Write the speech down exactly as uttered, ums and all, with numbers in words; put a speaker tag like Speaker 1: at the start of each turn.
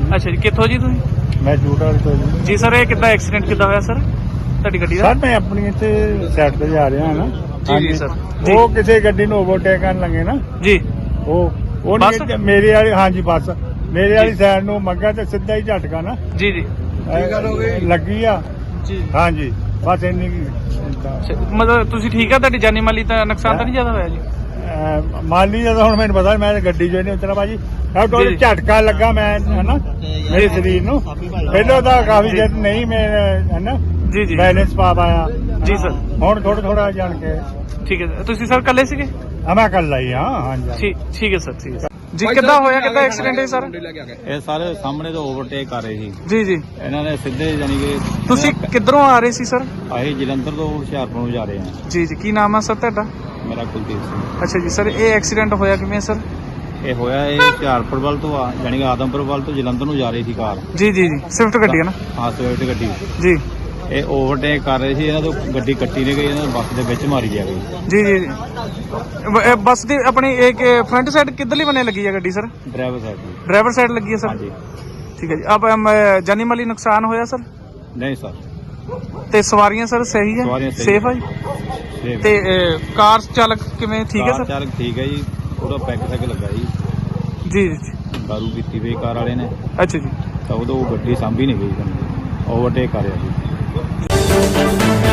Speaker 1: ਅੱਛਾ ਜੀ, ਕਿੱਥੋਂ ਜੀ ਤੁਸੀਂ?
Speaker 2: ਮੈਂ ਜੂਟਾ ਤੋਂ ਜੀ।
Speaker 1: ਜੀ ਸਰ, ਇਹ ਕਿੱਦਾਂ ਐਕਸੀਡੈਂਟ ਕਿੱਦਾਂ ਹੋਇਆ ਸਰ ਤੁਹਾਡੀ ਗੱਡੀ ਦਾ?
Speaker 2: ਸਰ ਮੈਂ ਆਪਣੀ ਇੱਥੇ ਸਾਈਡ ਤੇ ਜਾ ਰਿਹਾ ਹਾਂ ਨਾ।
Speaker 1: ਜੀ ਜੀ ਸਰ ਜੀ
Speaker 2: ਉਹ ਕਿਸੇ ਗੱਡੀ ਨੂੰ ਓਵਰਟੇਕ ਕਰਨ ਲੱਗੇ ਨਾ।
Speaker 1: ਜੀ
Speaker 2: ਉਹ ਉਹ
Speaker 1: ਬੱਸ?
Speaker 2: ਨਹੀਂ ਮੇਰੇ ਵਾਲੀ, ਹਾਂਜੀ ਬੱਸ ਮੇਰੇ ਵਾਲੀ ਸਾਈਡ ਨੂੰ ਮੰਗਾ ਤੇ ਸਿੱਧਾ ਹੀ ਝਟਕਾ ਨਾ
Speaker 1: ਜੀ ਜੀ
Speaker 2: ਇਹ ਲੱਗੀ ਆ।
Speaker 1: ਜੀ
Speaker 2: ਹਾਂਜੀ ਬਸ ਇੰਨੀ ਕੁ,
Speaker 1: ਅੱਛਾ, ਮਤਲਬ ਤੁਸੀਂ ਠੀਕ ਆ? ਤੁਹਾਡੀ ਜਾਨੀ ਮਾਲੀ ਤਾਂ ਨੁਕਸਾਨ ਤਾਂ ਨਹੀਂ ਜ਼ਿਆਦਾ ਹੋਇਆ ਜੀ?
Speaker 2: ਅਹ, ਮਾਲੀ ਜਦੋਂ ਹੁਣ ਮੈਨੂੰ ਪਤਾ ਮੈਂ ਗੱਡੀ ਚੋਂ ਨਹੀਂ ਉਤਰਾ ਭਾਜੀ।
Speaker 1: ਜੀ,
Speaker 2: ਉਹ
Speaker 1: ਜੀ।
Speaker 2: ਝਟਕਾ ਲੱਗਾ ਮੈਂ ਹਨਾ ਮੇਰੇ ਸਰੀਰ ਨੂੰ। ਪਹਿਲਾਂ ਤਾਂ ਕਾਫੀ ਦਿਨ ਨਹੀਂ ਮੈਂ ਹਨਾ
Speaker 1: ਜੀ ਜੀ
Speaker 2: ਬੈਲੈਂਸ ਪਾ ਪਾਇਆ।
Speaker 1: ਜੀ ਸਰ
Speaker 2: ਹੁਣ ਥੋੜਾ ਥੋੜਾ ਜਾਣ ਕੇ
Speaker 1: ਠੀਕ ਹੈ। ਤੁਸੀਂ ਸਰ ਇਕੱਲੇ ਸੀਗੇ?
Speaker 2: ਆ ਮੈਂ ਕਰ ਲਈ ਹਾਂ। ਹਾਂਜੀ
Speaker 1: ਠੀਕ ਠੀਕ ਹੈ ਸਰ, ਠੀਕ ਹੈ ਜੀ। ਕਿੱਦਾਂ ਹੋਇਆ, ਕਿੱਦਾਂ ਐਕਸੀਡੈਂਟ ਹੈ ਸਰ?
Speaker 3: ਇਹ ਸਾਰੇ ਸਾਹਮਣੇ ਤੋਂ ਓਵਰਟੇਕ ਕਰ ਰਹੇ ਸੀ।
Speaker 1: ਜੀ ਜੀ
Speaker 3: ਇਹਨਾਂ ਨੇ ਸਿੱਧੇ ਯਾਨੀ ਕਿ
Speaker 1: ਤੁਸੀਂ ਕਿੱਧਰੋਂ ਆ ਰਹੇ ਸੀ ਸਰ?
Speaker 3: ਅਸੀਂ ਜਲੰਧਰ ਤੋਂ ਹੁਸ਼ਿਆਰਪੁਰ ਨੂੰ ਜਾ ਰਹੇ ਹਾਂ।
Speaker 1: ਜੀ ਜੀ ਕੀ ਨਾਮ ਹੈ ਸਰ ਤੁਹਾਡਾ?
Speaker 3: ਮੇਰਾ ਕੁਲਦੀਪ ਸਿੰਘ।
Speaker 1: ਅੱਛਾ ਜੀ ਸਰ, ਇਹ ਐਕਸੀਡੈਂਟ ਹੋਇਆ ਕਿਵੇਂ ਸਰ?
Speaker 3: ਇਹ ਹੋਇਆ ਇਹ ਹੁਸ਼ਿਆਰਪੁਰ ਵੱਲ ਤੋਂ ਆ ਯਾਨੀ ਕਿ ਆਦਮਪੁਰ ਵੱਲ ਤੋਂ ਜਲੰਧਰ ਨੂੰ ਜਾ ਰਹੀ ਸੀ ਕਾਰ।
Speaker 1: ਜੀ ਜੀ ਜੀ ਸਵਿਫਟ ਗੱਡੀ ਹੈ ਨਾ?
Speaker 3: ਹਾਂ ਸਵਿਫਟ ਗੱਡੀ।
Speaker 1: ਜੀ
Speaker 3: ਇਹ ਓਵਰਟੇਕ ਕਰ ਰਹੇ ਸੀ, ਇਹਨਾਂ ਤੋਂ ਗੱਡੀ ਕੱਟੀ ਨਹੀਂ ਗਈ, ਇਹਨਾਂ ਨੂੰ ਬੱਸ ਦੇ ਵਿੱਚ ਮਾਰੀ ਜਾ ਗਈ।
Speaker 1: ਜੀ ਜੀ ਜੀ। ਬ- ਇਹ ਬੱਸ ਦੀ ਆਪਣੀ ਇੱਕ ਫਰੰਟ ਸਾਈਡ ਕਿੱਧਰਲੀ ਬਣੇ ਲੱਗੀ ਹੈ ਗੱਡੀ ਸਰ?
Speaker 3: ਡਰਾਈਵਰ ਸਾਹਿਬ ਦੀ।
Speaker 1: ਡਰਾਈਵਰ ਸਾਈਡ ਲੱਗੀ ਹੈ ਸਰ?
Speaker 3: ਹਾਂਜੀ।
Speaker 1: ਠੀਕ ਹੈ ਜੀ। ਆਪ ਅਮ, ਜਾਨੀ ਮਾਲੀ ਨੁਕਸਾਨ ਹੋਇਆ ਸਰ?
Speaker 3: ਨਹੀਂ ਸਰ,
Speaker 1: ਤੇ ਸਵਾਰੀਆਂ ਸਰ ਸਹੀ ਹੈ?
Speaker 3: ਸਵਾਰੀਆਂ ਸਹੀ
Speaker 1: ਸੇਫ ਹੈ ਜੀ?
Speaker 3: ਸੇਫ।
Speaker 1: ਤੇ ਅ, ਕਾਰ ਚਾਲਕ ਕਿਵੇਂ, ਠੀਕ ਹੈ
Speaker 3: ਕਾਰ
Speaker 1: ਸਰ?
Speaker 3: ਚਾਲਕ ਠੀਕ ਹੈ ਜੀ, ਪੂਰਾ ਪੈਕ ਸੈਕ ਲੱਗਾ ਜੀ।
Speaker 1: ਜੀ ਜੀ
Speaker 3: ਦਾਰੂ ਪੀਤੀ ਹੋਈ ਕਾਰ ਵਾਲੇ ਨੇ
Speaker 1: ਅੱਛਾ ਜੀ।
Speaker 3: ਤਾਂ ਉਦੋਂ ਗੱਡੀ ਸਾਂਭੀ ਨਹੀਂ ਗਈ, ਓਵਰਟੇਕ ਕਰ ਰਿਹਾ ਸੀ।